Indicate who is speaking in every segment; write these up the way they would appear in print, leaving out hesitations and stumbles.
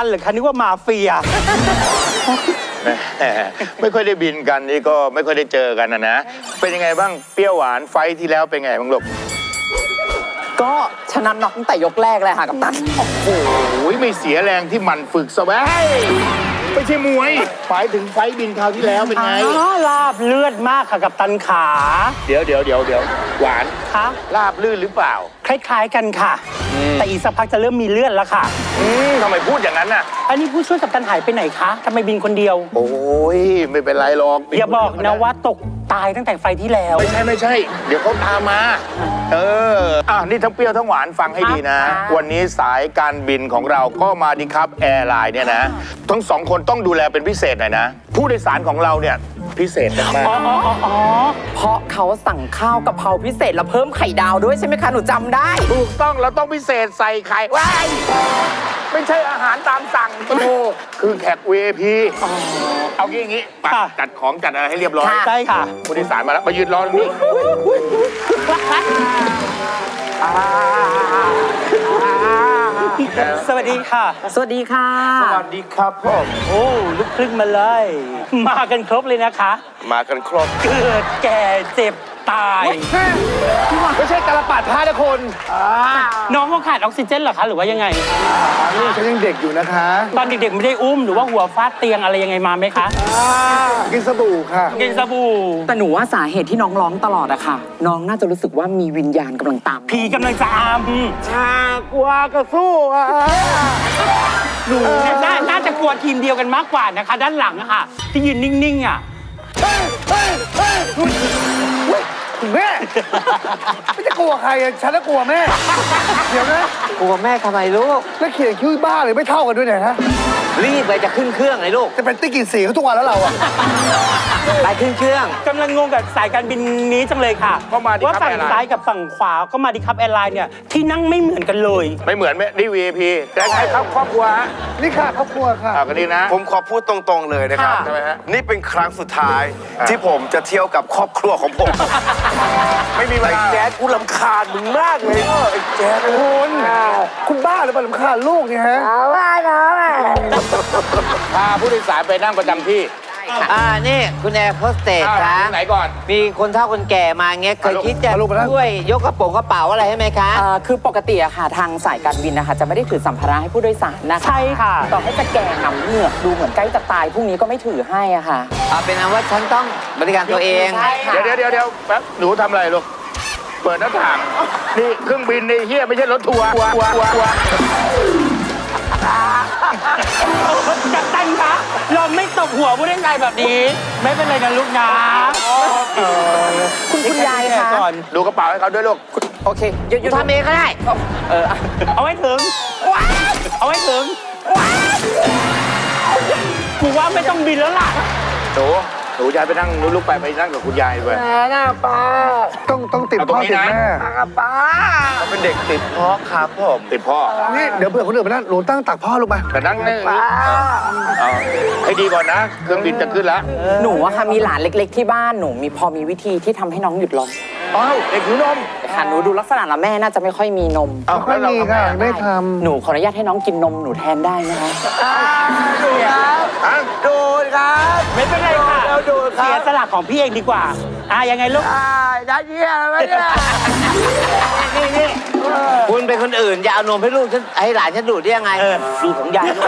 Speaker 1: ตันเหรือคะนึกว่ามาเฟีย
Speaker 2: ไม่ค่อยได้บินกันนี่ก็ไม่ค่อยได้เจอกันนะเป็นยังไงบ้างเปรี้ยวหวานไฟที่แล้วเป็นไงบ้างลูก
Speaker 3: ก็ชนะน็อกตั้งแต่ยกแรกเลยค่ะกัปตัน
Speaker 2: โอ้โหไม่เสียแรงที่มันฝึกซะแว้ยไม่ใช่มวยหมายถึงไฟบินคราวที่แล้วเป็นไง
Speaker 1: ลาบเลือดมากค่ะกับตันขา
Speaker 2: เดี๋ยวหวาน
Speaker 1: คะ
Speaker 2: ลาบลื่นหรือเปล่า
Speaker 1: คล้ายๆกันค่ะ แต่อีกสักพักจะเริ่มมีเลือดแล้วค่ะ
Speaker 2: ทำไมพูดอย่างนั้นน่ะ
Speaker 1: อันนี้ผู้ช่วยกัปตันหายไปไหนคะทำไมบินคนเดียว
Speaker 2: โอ้ยไม่เป็นไรหรอก
Speaker 1: อย่าบอกนะว่าตกตายตั้งแต่ไฟที่แล้ว
Speaker 2: ไม่ใช่ เดี๋ยวเขาตามมานี่ทั้งเปรี้ยวทั้งหวานฟังให้ดีนะ วันนี้สายการบินของเราก็มาดีครับแอร์ไลน์เนี่ยนะทั้งสองคนต้องดูแลเป็นพิเศษหน่อยนะผู้โดยสารของเราเนี่ยพิเศษมาก
Speaker 3: เพราะเขาสั่งข้าวกะเพราพิเศษแล้วเพิ่มไข่ดาวด้วยใช่ไหมคะหนูจำได้
Speaker 2: ถูกต้องเราต้องพิเศษใส่ไข่ว้ายไม่ใช่อาหารตามสั่งโอ้คือแขก VIP เอาอย่างงี้ไปจัดของจัดอะไรให้เรียบร้อย
Speaker 1: ใช่ค่ะ
Speaker 2: ผู้โดยสารมาแล้วมายืนรอตรงนี้
Speaker 1: สวัสดีค่ะ
Speaker 3: สวัสดีค่ะ
Speaker 2: สวัสดีครับพ่อ
Speaker 1: โอ้ลูกครึ่งมาเลย มากันครบเลยนะคะ
Speaker 2: มากันครบ
Speaker 1: เกิดแก่เจ็บตาย
Speaker 2: ไม่ใช่ตาลปัดท่านะคน
Speaker 1: น้องเขาขาดออกซิเจนเหรอคะหรือว่ายังไง
Speaker 4: ลูกฉันยังเด็กอยู่นะคะ
Speaker 1: ตอนเด็กๆไม่ได้อุ้มหรือว่าหัวฟาดเตียงอะไรยังไงมาไหมคะ
Speaker 4: กินสบู่ค่ะ
Speaker 1: กินสบู่
Speaker 3: แต่หนูว่าสาเหตุที่น้องร้องตลอดอะค่ะ น้องน่าจะรู้สึกว่ามีวิญญาณกำลังตาม
Speaker 1: ผีกำลังจะอาม
Speaker 4: ชากว่ากระสู้อ่ะ
Speaker 1: หนูน่าจะกลัวทีมเดียวกันมากกว่านะคะ ด้านหลังอะค่ะ ที่ยืนนิ่งๆอะ
Speaker 4: แม่ไม่จะกลัวใครอะฉันจะกลัวแม่ เดี๋ยวนะ
Speaker 5: กลัวแม่ทำไมลูก
Speaker 4: แล้วเขียนคิ้วบ้าเลยไม่เท่ากันด้วยเนี่ยฮะ
Speaker 5: รีบเลยจะขึ้นเครื่องเลยลูก
Speaker 4: จะเป็นติ๊กกี่สีเขาทุกวันแล้วเราอะ
Speaker 5: ไปขึ้นเครื่อง
Speaker 1: กำลังงงกับสายการบินนี้จังเลยค่ะ
Speaker 2: ก็มาดิ
Speaker 1: ว่า
Speaker 2: ครับ
Speaker 1: ฝั่ง
Speaker 2: แอร์ไลน์
Speaker 1: ซ้ายกับฝั่งขวาก็มาดิครับแอร์ไลน์เนี่ยที่นั่งไม่เหมือนกันเลย
Speaker 2: ไม่เหมือนไหมนี่ VIP แต่ใครครับครอบครัวฮะ
Speaker 4: นี่ค่ะครอบครัวค่ะ
Speaker 2: กันดีนะ
Speaker 6: ผมขอพูดตรงๆเลยนะครับ
Speaker 2: ทำไมฮะ
Speaker 6: นี่เป็นครั้งสุดท้ายที่ผมจะเที่ยวกับครอบครัวของผม
Speaker 2: ไม่มีเวลา
Speaker 6: แจ๊ดกูรำคาญมึงมากเลยไอ้แจ๊ด
Speaker 4: คุณบ้าหรือเปล่าลำคาญลูกเนี่ยฮะ
Speaker 2: พาผู้โดยสารไปนั่งประจำที่
Speaker 5: นี่คุณแอร์โฮสเตสคะ
Speaker 2: ไหนก่อน
Speaker 5: มีคนเฒ่าคนแก่มาเงี้ยเคยคิดจะ
Speaker 4: มาลูกมานั่ง
Speaker 5: ช่วยยกกระเป๋าอะไรให้ไหมคะ
Speaker 3: คือปกติอะค่ะทางสายการบินนะคะจะไม่ได้ถือสัมภาระให้ผู้โดยสารนะคะ
Speaker 1: ใช่ค่ะ
Speaker 3: ต่อให้จะแก่หนำเหงือกดูเหมือนใกล้จะตายพรุ่งนี้ก็ไม่ถือให้อะค่ะ
Speaker 5: เป็นอันว่าฉันต้องบริการตัวเอง
Speaker 2: เดี๋ยวแป๊บหนูทำอะไรลูก เปิดหน้าต่าง นี่เครื่องบินในเฮียไม่ใช่รถทัวร์
Speaker 1: กัปตันคะเราไม่ตบหัวผู้เล่นไงแบบนี้ ไม่เป็นไรนะลูกนะ
Speaker 3: คุณยายคะ
Speaker 1: ก่อน
Speaker 2: ดูกระเป๋าให้เขาด้วยลูก
Speaker 3: โอเค
Speaker 5: อยู่ทำเองก็ได้
Speaker 1: เอาไว้ถึง เอาไว้ถึงกูว่าไม่ต้องบินแล้วล่ะ
Speaker 2: หนูยายไปนั่งลูกไปนั่งกับคุณยายไป
Speaker 4: ต้องติด
Speaker 2: เอาตร
Speaker 4: พ่
Speaker 2: ง
Speaker 4: อ
Speaker 2: นี้
Speaker 4: ติด
Speaker 2: นะ
Speaker 4: แม่
Speaker 6: เขาเป็นเด็กติดพ่อครับผม
Speaker 2: ติดพ่อ
Speaker 4: นี่เดี๋ยวเผื่อคนอื่นมานั่งหนูตั้งตักพ่อลงไป
Speaker 2: แต่นั่งนี่เอาให้ดีก่อนนะ เครื่องบินจะขึ้นแล้ว
Speaker 3: หนูอะค่ะมีหลานเล็ก ๆ ที่บ้านหนูพอมีวิธีที่ทำให้น้องหยุดร้อง
Speaker 2: อ้าวเด็กหิวนม
Speaker 3: ค่ะหนูดูลักษณะแล้วแม่น่าจะไม่ค่อยมีนม
Speaker 2: อ้าว
Speaker 4: ไม่
Speaker 2: แล้วเรา
Speaker 4: มี
Speaker 2: ทำไง
Speaker 4: ค่ะ
Speaker 2: อ่ะ
Speaker 4: ไม่ท
Speaker 3: หนูขออนุญาตให้น้องกินนมหนูแทนได้นะคะ
Speaker 6: โดนครับ
Speaker 1: ไม่เป็นไรค่ะ
Speaker 6: เราดูครับ
Speaker 1: เสียสละของพี่เองดีกว่า ยังไงลูก
Speaker 6: ได้เยี่ยมไหมเนี่ย
Speaker 1: นี่
Speaker 5: คุณเป็นคนอื่นอย่าเอานมให้ลูกฉันให้หลานฉันดูดได้ยังไงดูของยายด้วย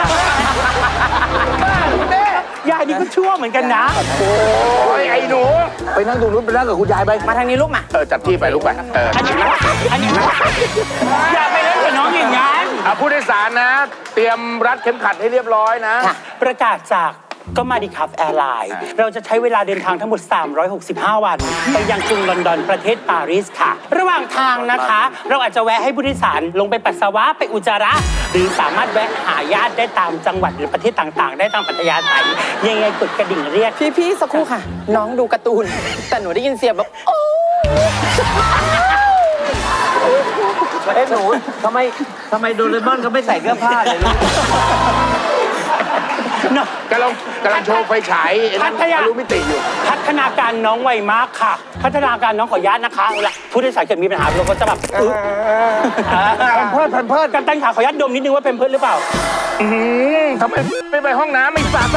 Speaker 1: ยายนี่ก็ชั่วเหมือนกันนะ
Speaker 2: โอ้ยไอ้หนู
Speaker 4: ำไปนั่งตรงนู้นไปนั่งกับคุณยายไป
Speaker 3: มาทางนี้ลูกมา
Speaker 2: จับที่ไปลูกไป
Speaker 1: อันนี้อย่าไปเล่นกับน้องอย่างนั้น
Speaker 2: ผู้โดยสารนะ เตรียมรัดเข็มขัดให้เรียบร้อยนะ
Speaker 1: ประกาศจากก็มาดิครับแอร์ไลน์เราจะใช้เวลาเดินทางทั้งหมด 365 วัน ไปยังกรุงลอนดอนประเทศปารีสค่ะ ระหว่างทางนะคะ เราอาจจะแวะให้ผู้โดยสารลงไปปัสสาวะไปอุจจาระ หรือสามารถแวะหาญาติได้ตามจังหวัดหรือประเทศต่างๆ ได้ตามปัทยาไทยยังไงกดกระดิ่งเรียก
Speaker 3: พี่สักครู่ค่ะ น้องดูการ์ตูน แต่หนูได้ยินเสียงแบบโอ้
Speaker 5: หนูทำไมโดเรมอนเขาไม่ใส่เสื้อผ้าเลยลูก
Speaker 2: กำลังโชว์ไฟฉายไอ้นั่น
Speaker 1: พัทยา
Speaker 2: ทะลุมิติอยู่
Speaker 1: พัฒนาการน้องไวมากค่ะ พัฒนาการน้องขออนุญาตนะคะเอาละผู้โดยสารเกิดมีปัญหาเราก็จะแบบ
Speaker 4: แพมเพิร์ด
Speaker 1: กัปตันขาขออนุญาตดมนิดนึงว่าเป็นเพื่อนหรือเปล่า
Speaker 2: ทำไมไม่ไปห้องน้ำไม่สา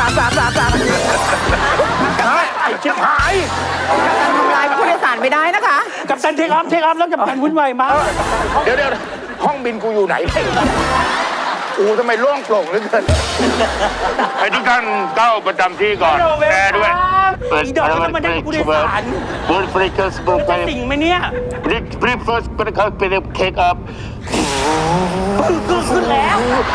Speaker 2: ไอ้ชิบหาย
Speaker 3: การทำร้ายผู้โดยสารไม่ได้นะคะ
Speaker 1: กับตันเทคออฟแล้วกับตันวุ่นวายมาก
Speaker 2: เดี๋ยวห้องบินกูอยู่ไหนทำไมโล่งโปร่งเหลือเกินให้ทุกท่านเข้าประจำที่ก่อนแปรด้วย
Speaker 1: อีดอกมันมาได้กับผู้โดยสาร
Speaker 2: เบิร์ดฟริกเกอร์สบู่
Speaker 1: จะสิ่งไหมเนี่ย
Speaker 2: รีบเฟิร์สเป็นเขาเป็นเค้กอัพ
Speaker 1: ขึ้นแล้ว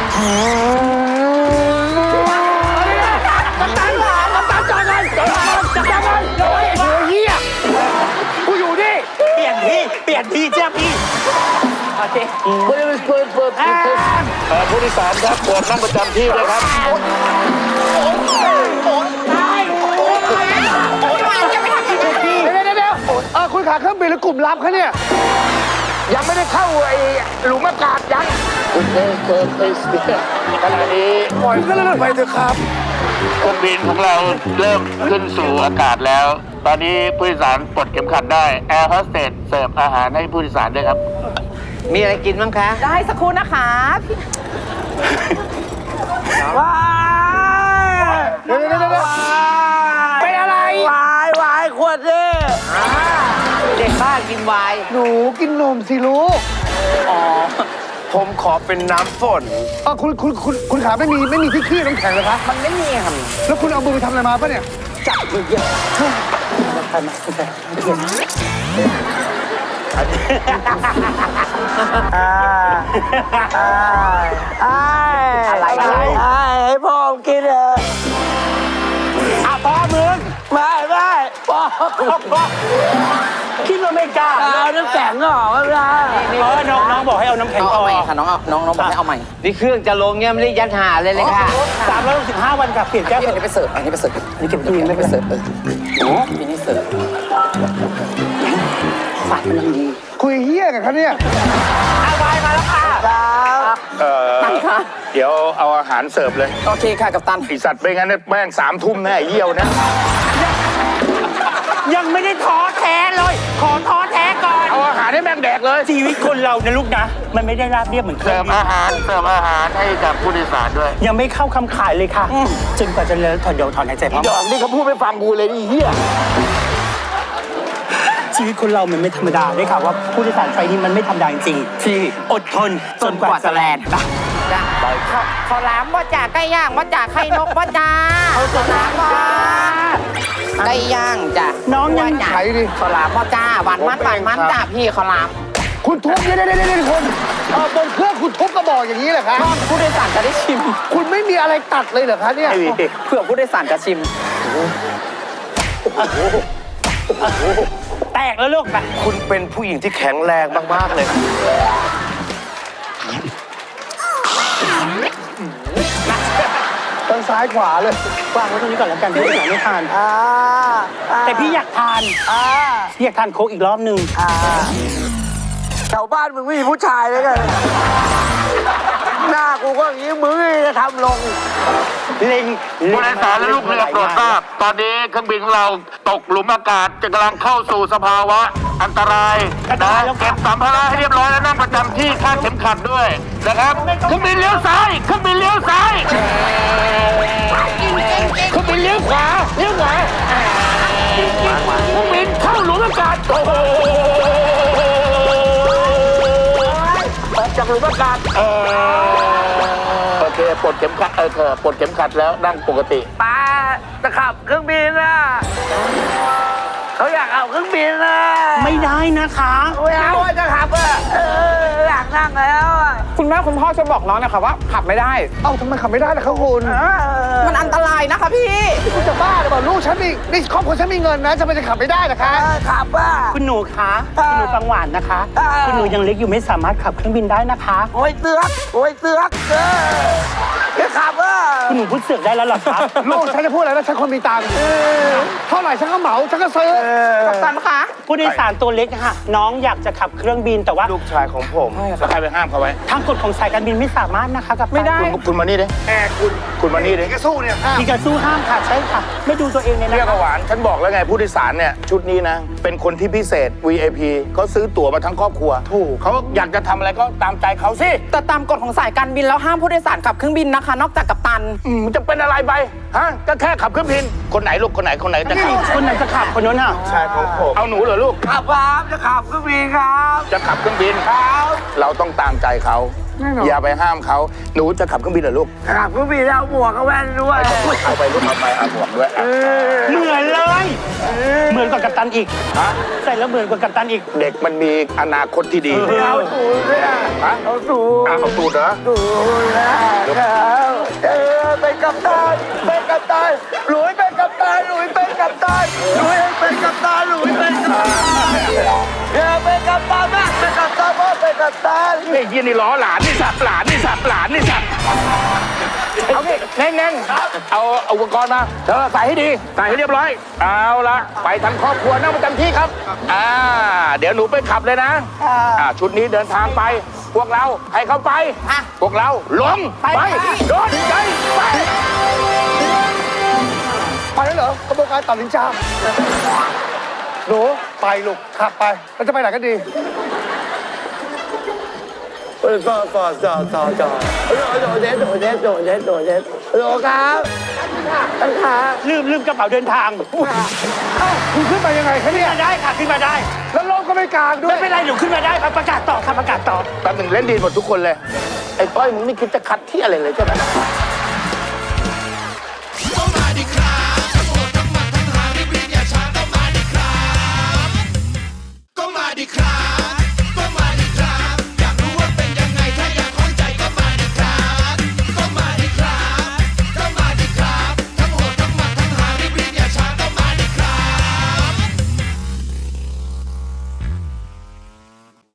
Speaker 4: น้ำตาลจอดกันเฮียกูอยู่นี่
Speaker 1: เปลี่ยนที่เจ้าพี่โอเค
Speaker 2: ผู้โดยสารครับโปรดนั่งประจำที่เลยครับ
Speaker 4: เดี๋ยวคุณขาเครื่องบินหรือกลุ่มลับคะเนี่ย
Speaker 2: ยังไม่ได้เข้าไอ้หลุมอากาศยังคุณเคิร์ฟขณะนี้
Speaker 4: ปล่อยก็เลื่อนไปเถอะครับ
Speaker 2: เครื่องบินของเราเริ่มขึ้นสู่อากาศแล้ว ตอนนี้ผู้โดยสารปลดเข็มขัดได้แอร์โฮสเตสเสิร์ฟอาหารให้ผู้โดยสารด้วยครับ
Speaker 5: มีอะไรกินบ้างคะ
Speaker 3: ได้สักครู่นะคะพี่
Speaker 4: เดี๋ยวเป็นอะไร
Speaker 5: วายขวดดิเด็กบ้ากินวาย
Speaker 4: หนูกินนมสิลูก
Speaker 6: ผมขอเป็นน้ำฝน
Speaker 4: คุณขาไม่มีที่ขี้น้ำแข็งเหรอคะ
Speaker 3: มันไม่มีค่ะ
Speaker 4: แล้วคุณเอามือไปทำอะไรมาปะเนี่ย
Speaker 3: จับเยอะ อะไร
Speaker 5: ให้พ่อกินเถอะ
Speaker 1: พ่อมึง
Speaker 5: ไม่พ่อ
Speaker 1: คิดว่าไม่กล้า
Speaker 5: เอาน้ำแข็งออกไม่ได้
Speaker 1: น้องบอกให้เอาน้ำแข็ง
Speaker 3: เอา
Speaker 1: ออก
Speaker 3: ใหม่ค่ะน้องบอกให้เอาใหม่
Speaker 5: นี่เครื่องจะลงเนี่ยไม่ได้ยัดหาเลยค่ะ
Speaker 1: 365 วันกับเปลี่ยนแก้ว
Speaker 3: พี่อันนี้ไปเสิร์ฟอันนี้ไปเสิร์ฟอันนี้เก็บตู้เย็นไม่ไปเสิร์ฟพี่นี่เสิร์ฟฝากมันยังดี
Speaker 4: คุยเฮี้ยกันคะเนี่ย
Speaker 3: ตันค่ะ
Speaker 2: เดี๋ยวเอาอาหารเสิร์ฟเลย
Speaker 3: โอเคค่ะกับตัน
Speaker 2: ไอสัตว์ไม่งั้นแม่ง3 ทุ่มแน่ไอ้เยี่ยวนะ
Speaker 1: ยังไม่ได้ท้อแท้เลย ขอท้อแท้ก่อน
Speaker 2: เอาอาหารให้แม่งแดกเลย
Speaker 1: ชีวิตคนเรานะลูกนะ มันไม่ได้ราบเรียบเหมือนเค
Speaker 2: เสิ
Speaker 1: รื่อ
Speaker 2: ร์
Speaker 1: ง
Speaker 2: ฟอาหารให้กับผู้โดยสารด้วย
Speaker 1: ยังไม่เข้าคำขายเลยค่ะ จนกว่าจะเลิกเดี๋ยวถอนหายใจพร้อม
Speaker 2: ดอกนี่เขาพูดไม่ฟังกูเลยนี่เฮีย
Speaker 1: ชีวิตคนเรามันไม่ธรรมดาด้วยค่ะว่าผู้โดยสารไฟนี้มันไม่ธรรมดาจริงๆที่อดทนจนกว่าจะแลนด์นะ
Speaker 3: จ้ะขอล้ำบ่จ่าไก่ย่างบ่จ่าไข่นกบ่จ่าเอาขอล้ำบ่ไก่ย่างจ้ะ
Speaker 1: น้องยัง
Speaker 3: จ่า
Speaker 4: ไขดิ
Speaker 3: ขอล้ำบ่จ่าหวานมันจ้าพี่ขอล้
Speaker 4: คุณทุบเดี๋ยวคุณบนเครื่องคุณทุบกระบอกอย่างนี้เหรอคะ
Speaker 3: ำผู้โดยสารจะได้ชิม
Speaker 4: คุณไม่มีอะไรตัดเลยเหรอคะเนี่ย
Speaker 3: เผื่อผู้โดยสารจะชิม
Speaker 1: แตกแล้วลูกไป
Speaker 6: คุณเป็นผู้หญิงที่แข็งแรงมากๆเลย
Speaker 4: ทางซ้ายขวาเลย
Speaker 1: วางไว้ตรงนี้ก่อนแล้วกันพี่อยากไม่ทาน แต่พี่อยากทานพี่อยากทานโค้กอีกรอบหนึ่ง
Speaker 5: แถวบ้านมึงไม่มีผู้ชายเลยกันหน้ากูก็อย่างนี้มึงจะทำลง
Speaker 1: เล็ง
Speaker 2: ผู้โดยสารและลูกเรือโปรดทราบตอนนี้เครื่องบินของเราตกหลุมอากาศจะกำลังเข้าสู่สภาวะอันตรายนะเก็บสัมภาระให้เรียบร้อยแล้วนั่งประจำที่คาดเข็มขัดด้วยนะครับเครื่องบินเลี้ยวซ้ายเครื่องบินเลี้ยวซ้ายเครื่องบินเลี้ยวขวาเครื่องบินเข้าหลุมอากาศโอ้โหออกจากหลุมอากาศโอเคปลดเข็มขัดปลดเข็มขัดแล้วนั่งปกติ
Speaker 5: ป้าจะขับเครื่องบินน่ะเขาอยากเอาเครื่องบินน่ะ
Speaker 1: ไม่ได้นะคะ
Speaker 5: ไม่เอาอะจะขับอ่ะอยากนั่งแล้วอะ
Speaker 3: คุณแม่คุณพ่อช่วยบอกน้องนะคะว่าขับไม่ได้
Speaker 4: เอ้าทำไมขับไม่ได้ล่ะครับคุณ
Speaker 3: มันอันตรายนะคะพี่
Speaker 4: คุณจะบ้าหรือเปล่าลูกฉันมีนี่ครอบครัวฉันมีเงินนะจะไปจะขับไม่ได้เหรอคะ
Speaker 5: ขับอ่ะ
Speaker 1: คุณหนูคะคุณหนูฟังหวานนะคะ คุณหนูยังเล็กอยู่ไม่สามารถขับเครื่องบินได้นะคะ
Speaker 5: โอ้ยเสือกจะขับอ่ะ
Speaker 1: คุณหนูพูดเสือกได้แล้วเหรอคะ
Speaker 4: ลูกฉันจะพูดอะไรนะฉันคนมีตังค์เท่าาไหร่ฉันก็เหมาฉันก็ซื้อ
Speaker 3: กัปตันคะ
Speaker 1: ผู้โดยสารตัวเล็กค่ะ น้องอยากจะขับเครื่องบินแต่ว่า
Speaker 6: ลูกชายของผม
Speaker 2: แล้วใครไปห้ามเขาไว้
Speaker 1: ทางกฎของสายการบินไม่สามารถนะคะกับ
Speaker 3: ไม่ได้
Speaker 2: คุณมานี่ดิ
Speaker 6: แอร์คุณ
Speaker 2: คุณมานี่ดิ
Speaker 6: ก็สู้เนี่ย
Speaker 1: มีการสู้ห้ามค่ะใช่ค่ะ ไม่ดูตัวเองเลย
Speaker 2: เรียก
Speaker 1: นะ
Speaker 2: ว่าหวานฉันบอกแล้วไงผู้โดยสารเนี่ยชุดนี้นะ เป็นคนที่พิเศษ VIP เขาซื้อตั๋วมาทั้งครอบครัวถูกเขาอยากจะทำอะไรก็ตามใจเขาสิ
Speaker 3: แต่ตามกฎของสายการบินแล้วห้ามผู้โดยสารขับเครื่องบินนะคะ นอกจากกัปตัน
Speaker 2: มันจะเป็นอะไรไปฮะก็แค่ขับเครื่องบินคนไหนลูกคนไหนจะขับ
Speaker 1: คนไหนจะขับคนนั้นอ่ะ
Speaker 6: ชายของผม
Speaker 2: เอาหนูเหรอลูก
Speaker 5: ขับครับจะขับเครื่องบินครับ
Speaker 2: จะขับเครื่องบินเราต้องตามใจเขาอย่าไปห้ามเขาหนูจะขับเครื่องบินเหรอลูก
Speaker 5: ขับเครื่องบินแล้วเอาหมวกกับแว่นด้วย
Speaker 2: เอาไปลูกเอาไปเอาหมวกด้วยอ่ะ
Speaker 1: เหมือนเลย เหมือนกว่ากัปตันอีก
Speaker 2: ฮะ
Speaker 1: ใส่แล้วเหมือนกว่ากัปตันอีก
Speaker 2: เด็กมันมีอนาคตที่ดี
Speaker 5: เอาสูตรด้วย
Speaker 2: ฮะ
Speaker 5: เอาสูตร
Speaker 2: เอาสูตรเหรอ
Speaker 5: สูตรนะครับเป็นกัปตันเป็นกัปตันหลุยเป็นกัปตันหลุยเป็นกัปตันหลุยเป็นกัปตันหลุยเป็นกัปตันเป็นกัปตันนะเป็นกัปตันพ่อเป็นกัปตัน
Speaker 2: ไอ้ยี่นี่ล้อหลานนี่สับหลานนี่สับหลานนี่สับเอาดิแน่นๆเอาอุปกรณ์มาเธอใส่ให้ดีใส่ให้เรียบร้อยเอาละไปทั้งครอบครัวนั่งประจำที่ครับเดี๋ยวหนูไปขับเลยนะชุดนี้เดินทางไป พวกเราให้เขาไปพวกเราลงไปโดนใจไป
Speaker 4: ไปแล้วเหรอกระบวนการตัดสินใจหนูไปลูกขับไปแล้วจะไปไหนกันดี
Speaker 5: ต่อโดโลครับตั้งขา
Speaker 1: ลืมกระเป๋าเดินทาง
Speaker 4: คุณขึ้นมายังไงคะเนี่ย
Speaker 1: ขึ้นมาได้ค่ะขึ้นมาได้
Speaker 4: แล้วลมก็ไม่กลางด้ว
Speaker 1: ไม่
Speaker 4: ย
Speaker 1: เป็นไรหนูขึ้นมาได้ครับประกาศต่อค่ะประกาศต่อ
Speaker 2: แป๊บหนึ่งเล่นดีหมดทุกคนเลยไอ้ต้อยมึงไม่คิดจะคัดที่อะไรเลยใช่ไหม